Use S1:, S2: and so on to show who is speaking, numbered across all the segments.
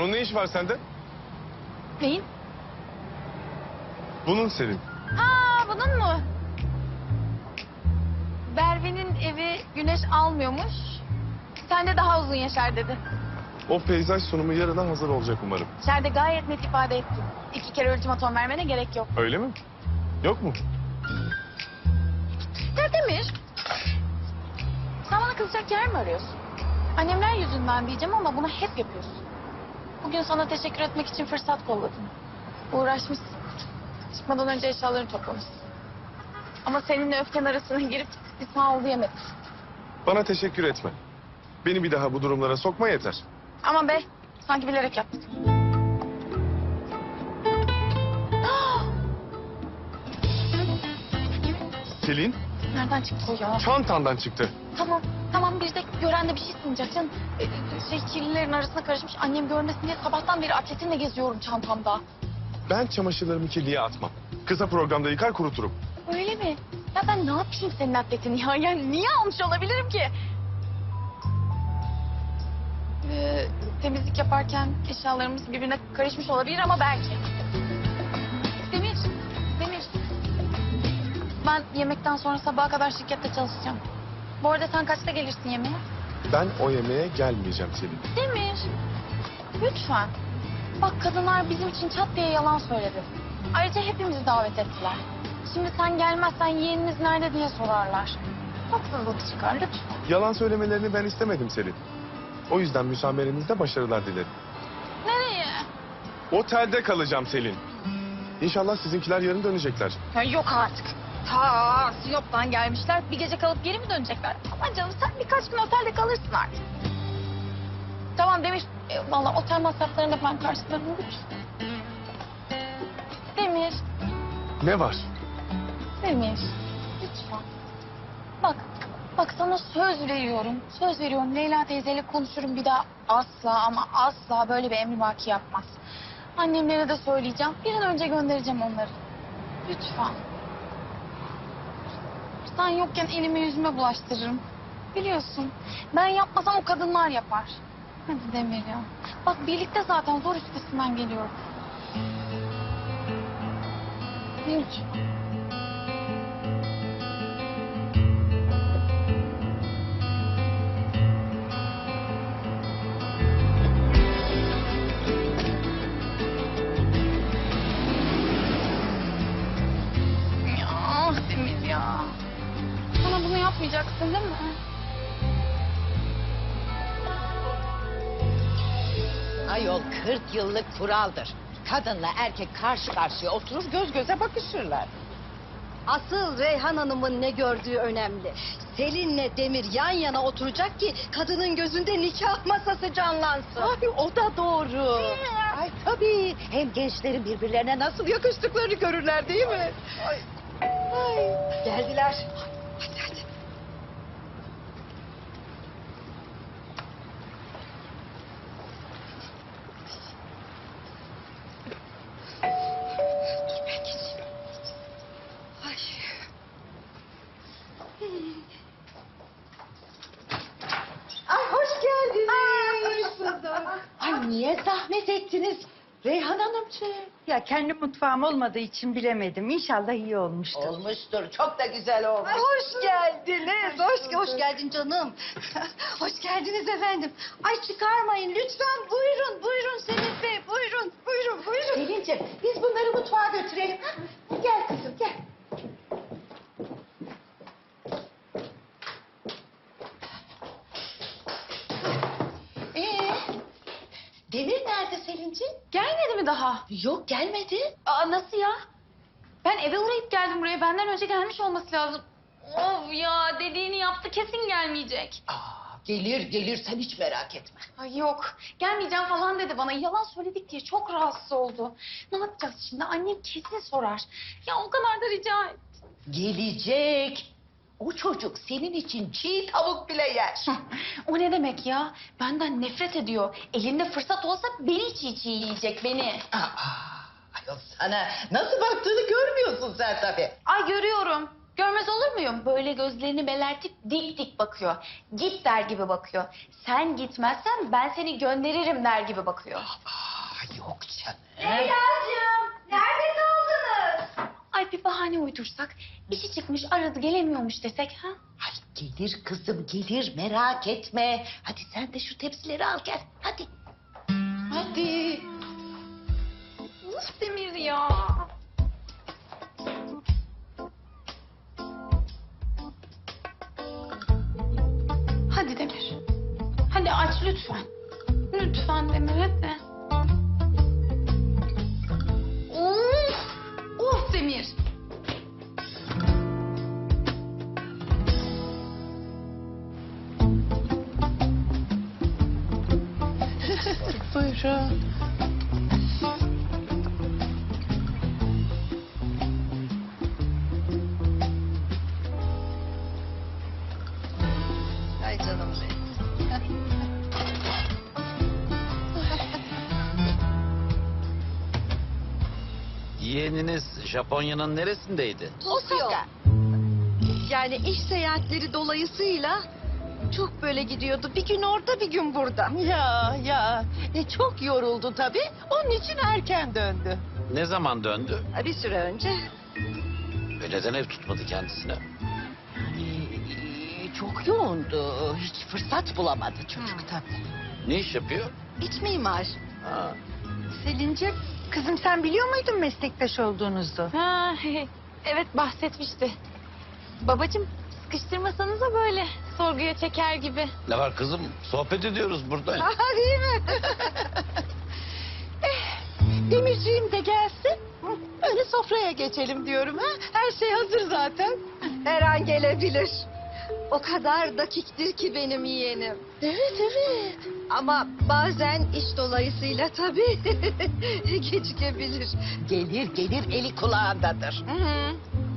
S1: Onun ne işi var sende?
S2: Neyin?
S1: Bunun Selin.
S2: Aa, bunun mu? Berve'nin evi güneş almıyormuş. Sen de daha uzun yaşar dedi.
S1: O peyzaj sunumu yarına hazır olacak umarım.
S2: İçeride gayet net ifade ettim. 2 kere ultimatom vermene gerek yok.
S1: Öyle mi? Yok mu?
S2: Ya Demir, sen bana kızacak yer mi arıyorsun? Annemler yüzünden diyeceğim ama bunu hep yapıyorsun. Bugün sana teşekkür etmek için fırsat kolladım. Uğraşmışsın. Çıkmadan önce eşyalarını toplamışsın. Ama seninle öfken arasına girip bir sağ ol diyemedim.
S1: Bana teşekkür etme. Beni bir daha bu durumlara sokma yeter.
S2: Ama be, sanki bilerek yaptın.
S1: Selin,
S2: Nereden çıktı o ya?
S1: çantandan çıktı.
S2: Tamam bir de gören de bir şey sanacak canım. Kirlilerin arasına karışmış, annem görmesin diye sabahtan beri atletinle geziyorum çantamda.
S1: Ben çamaşırlarımı kirliye atmam. Kısa programda yıkar kuruturum.
S2: Öyle mi? Ya ben ne yapayım senin atletini ya? Yani niye almış olabilirim ki? Temizlik yaparken eşyalarımız birbirine karışmış olabilir ama belki. Demir. Ben yemekten sonra sabaha kadar şirkette çalışacağım. Bu arada sen kaçta gelirsin yemeğe?
S1: Ben o yemeğe gelmeyeceğim Selin.
S2: Demir. Lütfen. Bak kadınlar bizim için çat diye yalan söyledi. Ayrıca hepimizi davet ettiler. Şimdi sen gelmezsen yeğeniniz nerede diye sorarlar. Haksızlık çıkar lütfen.
S1: Yalan söylemelerini ben istemedim Selin. O yüzden müsamerenizde başarılar dilerim.
S2: Nereye?
S1: Otelde kalacağım Selin. İnşallah sizinkiler yarın dönecekler.
S2: Ya yok artık. Ta Sinop'tan gelmişler. Bir gece kalıp geri mi dönecekler? Aman canım sen birkaç gün otelde kalırsın artık. Tamam Demir. Vallahi otel masraflarını da ben karşılarım lütfen. Demir.
S1: Ne var?
S2: Demir. Lütfen. Bak sana söz veriyorum. Söz veriyorum. Leyla teyzeyle konuşurum bir daha asla ama asla böyle bir emrivaki yapmaz. Annemlere de söyleyeceğim. Bir an önce göndereceğim onları. Lütfen. Sen yokken elime yüzüme bulaştırırım. Biliyorsun. Ben yapmasam o kadınlar yapar. Hadi Demir ya. Bak birlikte zaten zor üstesinden geliyorum. Lütfen. Ya Demir ya. Bana bunu yapmayacaksın değil mi?
S3: Ayol 40 yıllık kuraldır. Kadınla erkek karşı karşıya oturur göz göze bakışırlar.
S4: Asıl Reyhan Hanım'ın ne gördüğü önemli. Selin'le Demir yan yana oturacak ki kadının gözünde nikah masası canlansın.
S3: Abi o da doğru. Ay tabii. Hem gençlerin birbirlerine nasıl yakıştıklarını görürler değil mi? Ay.
S4: Geldiler.
S3: Hadi hadi.
S4: Dur ben geçeyim. Ay.
S3: Ay hoş geldiniz. Ay niye zahmet ettiniz Reyhan Hanımcığım?
S5: Ya kendi mutfağım olmadığı için bilemedim. İnşallah iyi olmuştur.
S3: Olmuştur. Çok da güzel olmuş.
S4: Ay, hoş geldiniz. Hoş geldin canım. Hoş geldiniz efendim. Ay çıkarmayın lütfen. Buyurun Selim Bey. Buyurun.
S3: Selin'ciğim biz bunları mutfağa götürelim. Ha? Gel kızım gel. Demir nerede Selin'ciğim?
S2: Gelmedi mi daha?
S3: Yok gelmedi.
S2: Aa nasıl ya? Ben eve uğrayıp geldim buraya. Benden önce gelmiş olması lazım. Of ya dediğini yaptı kesin gelmeyecek.
S3: Gelir sen hiç merak etme.
S2: Ay yok gelmeyeceğim falan dedi bana. Yalan söyledik diye çok rahatsız oldu. Ne yapacağız şimdi? Annem kesin sorar. Ya o kadar da rica et.
S3: Gelecek. O çocuk senin için çiğ tavuk bile yer.
S2: O ne demek ya? Benden nefret ediyor. Elinde fırsat olsa beni çiğ yiyecek beni.
S3: Ayol sana nasıl baktığını görmüyorsun sen tabii.
S2: Ay görüyorum. Görmez olur muyum? Böyle gözlerini belertip dik dik bakıyor. Git der gibi bakıyor. Sen gitmezsen ben seni gönderirim der gibi bakıyor.
S3: Yok canım.
S4: Leyla'cığım nerede kaldınız?
S2: Ay bir bahane uydursak, işi çıkmış aradı gelemiyormuş desek ha?
S3: Ay gelir kızım gelir merak etme. Hadi sen de şu tepsileri al gel hadi. Hadi.
S2: Uf Demir ya. Hadi Demir. Hadi aç lütfen. Lütfen Demir hadi. Of! Of Demir.
S3: Buyurun.
S4: Ay canım benim.
S6: Yeğeniniz Japonya'nın neresindeydi?
S4: Osaka. Yani iş seyahatleri dolayısıyla çok böyle gidiyordu. Bir gün orada bir gün burada.
S3: Ya çok yoruldu tabii. Onun için erken döndü.
S6: Ne zaman döndü?
S4: Bir süre önce.
S6: Ve neden ev tutmadı kendisine?
S3: Çok yoğundu. Hiç fırsat bulamadı çocuk tabii.
S6: Ne iş yapıyor?
S4: İç mimar.
S6: Ha,
S5: Selin'ciğim, kızım sen biliyor muydun meslektaş olduğunuzu?
S2: Ha, evet bahsetmişti. Babacığım sıkıştırmasanıza böyle sorguya çeker gibi.
S6: ne var kızım? Sohbet ediyoruz burada.
S3: Değil mi? Demirciğim de gelsin. Öyle sofraya geçelim diyorum ha. Her şey hazır zaten.
S4: Her an gelebilir. O kadar dakiktir ki benim yeğenim.
S3: Evet.
S4: Ama bazen iş dolayısıyla tabii gecikebilir.
S3: Gelir eli kulağındadır.
S4: Hı.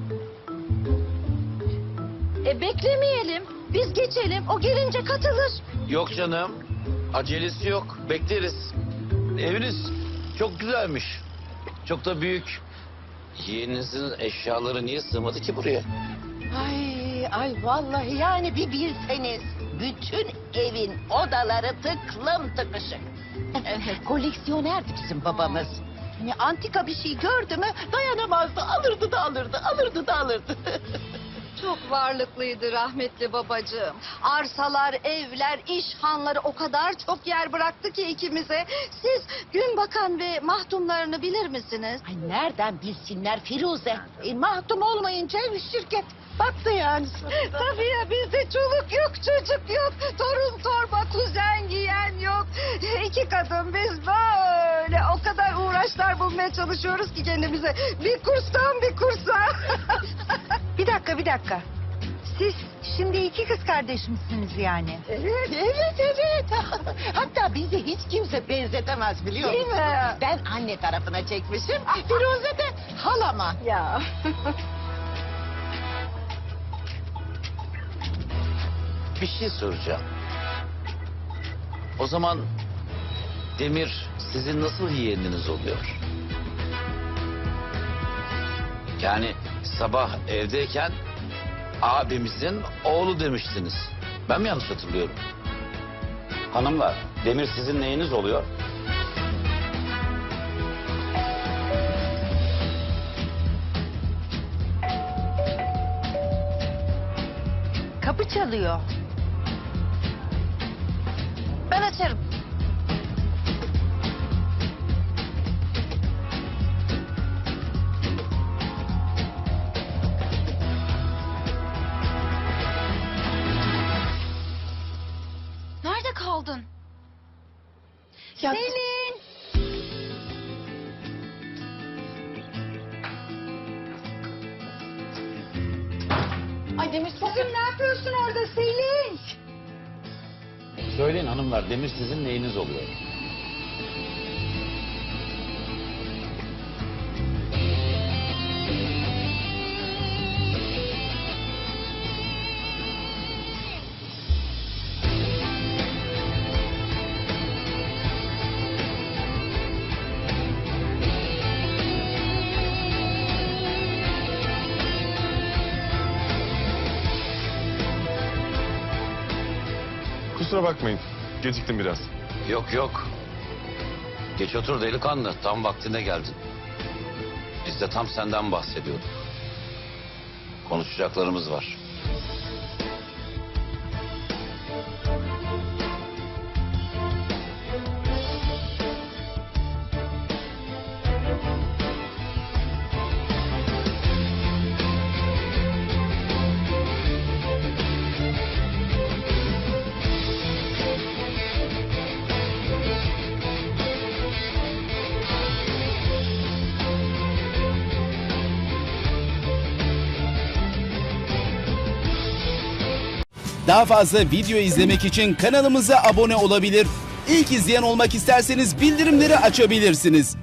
S4: Beklemeyelim. Biz geçelim. O gelince katılır.
S6: Yok canım. Acelesi yok. Bekleriz. Eviniz çok güzelmiş. Çok da büyük. Yeğeninizin eşyaları niye sığmadı ki buraya?
S3: Ay vallahi yani bir bilseniz. Bütün evin odaları tıklım tıkışık. Koleksiyonerdi bizim babamız. Hani antika bir şey gördü mü dayanamazdı. Alırdı da alırdı.
S4: Çok varlıklıydı rahmetli babacığım. Arsalar, evler, iş hanları o kadar çok yer bıraktı ki ikimize. Siz Günbakan ve mahdumlarını bilir misiniz?
S3: Ay nereden bilsinler Firuze? Mahdum olmayınca şirket battı yani.
S4: Tabii ya bizde çoluk yok, çocuk yok. Torun torba, kuzen giyen yok. İki kadın biz böyle o kadar uğraşlar bulmaya çalışıyoruz ki kendimize. Bir kurstan bir kursa.
S5: Bir dakika. Siz şimdi iki kız kardeş misiniz yani?
S3: Evet. Hatta bizi hiç kimse benzetemez biliyor
S4: Değil
S3: musun?
S4: mi?
S3: Ben anne tarafına çekmişim. Firuze de halama.
S4: Ya.
S6: Bir şey soracağım. O zaman Demir sizin nasıl yeğeniniz oluyor? Yani sabah evdeyken abimizin oğlu demiştiniz. Ben mi yanlış hatırlıyorum? Hanımlar, Demir sizin neyiniz oluyor?
S5: Kapı çalıyor.
S2: Ben açarım. Nerede kaldın?
S3: Ya,
S4: Selin.
S2: Ay Demir çok
S4: Kızım ne yapıyorsun orada Selin?
S6: Söyleyin hanımlar, Demir sizin neyiniz oluyor?
S1: Kusura bakmayın. Geciktim biraz.
S6: Yok yok. Geç otur delikanlı. Tam vaktinde geldin. Biz de tam senden bahsediyorduk. Konuşacaklarımız var.
S7: Daha fazla video izlemek için kanalımıza abone olabilir. İlk izleyen olmak isterseniz bildirimleri açabilirsiniz.